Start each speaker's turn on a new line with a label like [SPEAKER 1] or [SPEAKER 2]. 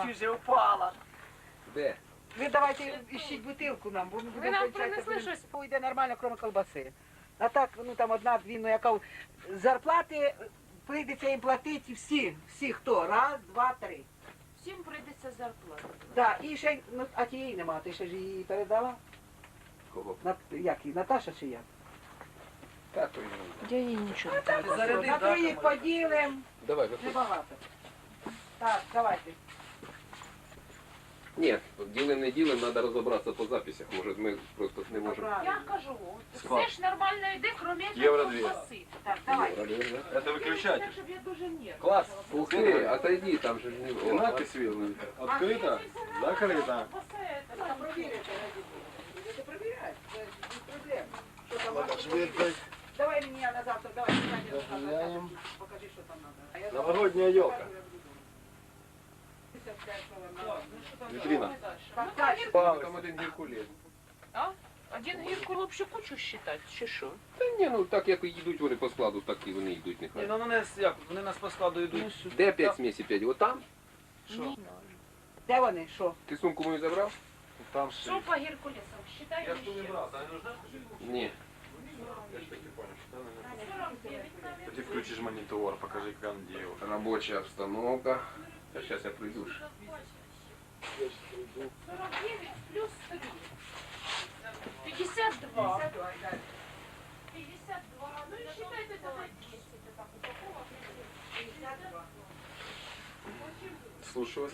[SPEAKER 1] Чуть же упала.
[SPEAKER 2] Де?
[SPEAKER 1] Ви давайте іщіть бутилку нам, бо ми будемо
[SPEAKER 3] нам
[SPEAKER 1] кончати,
[SPEAKER 3] принесли
[SPEAKER 1] будемо-
[SPEAKER 3] щось?
[SPEAKER 1] Пойде нормально, крім колбаси. А так, ну там одна-дві, ну яка зарплати прийдеться їм платити всі хто? Раз, два, три.
[SPEAKER 3] Всім прийдеться зарплата.
[SPEAKER 1] Так, і ще, ну, а тієї нема, ти ще ж її передала?
[SPEAKER 2] Кого?
[SPEAKER 1] Як її, Наташа чи як?
[SPEAKER 2] Так, то й не.
[SPEAKER 3] Я їй нічого не
[SPEAKER 1] Так, на троїх поділимо,
[SPEAKER 2] Давай, виходь.
[SPEAKER 1] небагато. Так, давайте.
[SPEAKER 2] Ні, ділим не ділим, треба розібратися по записях. Може, ми просто не можемо.
[SPEAKER 3] Я кажу,
[SPEAKER 4] Склад.
[SPEAKER 3] все ж нормально йде, крім
[SPEAKER 4] Євро дві.
[SPEAKER 3] колбаси.
[SPEAKER 1] Так, давай.
[SPEAKER 4] Это выключатель.
[SPEAKER 3] Так, щоб я дуже нервна.
[SPEAKER 4] Класс.
[SPEAKER 2] Ух ти, отойди, там же ж
[SPEAKER 4] И
[SPEAKER 2] не... О,
[SPEAKER 4] надпись видно. Открыто, закрыто.
[SPEAKER 1] Там провірити, будете провіряти, це без проблем. Що там
[SPEAKER 4] Надо
[SPEAKER 1] можна
[SPEAKER 4] швидко.
[SPEAKER 1] провірити? Давай мені я на завтра, давай,
[SPEAKER 4] Дозволяємо.
[SPEAKER 1] покажи, що там треба.
[SPEAKER 4] Новогодняя елка. Витрина.
[SPEAKER 2] там один Геркулес.
[SPEAKER 3] А? Один гірку лучше кучу считати, чи що?
[SPEAKER 2] Та ні, ну так як йдуть вони по складу, так і вони йдуть
[SPEAKER 4] Ні,
[SPEAKER 2] нехай.
[SPEAKER 4] ну вони як, вони нас по складу йдуть.
[SPEAKER 2] Де 5 смісі 5? Отам?
[SPEAKER 4] Що?
[SPEAKER 1] Де вони, що?
[SPEAKER 2] Ти сумку мою забрав?
[SPEAKER 4] Там
[SPEAKER 3] Що по Геркулесам? Считай
[SPEAKER 4] Я ж
[SPEAKER 3] ще.
[SPEAKER 4] не брав, а не нужна?
[SPEAKER 2] Ні.
[SPEAKER 4] Я ж так не понял, что она не
[SPEAKER 3] 49, наверное.
[SPEAKER 4] Ты включишь монитор, покажи, как он делает.
[SPEAKER 2] Робоча обстановка. Та зараз я прийду.
[SPEAKER 3] 49 плюс 3. 52. 52. Ну и считайте тогда 10. Это так, упаковок. 52.
[SPEAKER 4] Слушаю вас.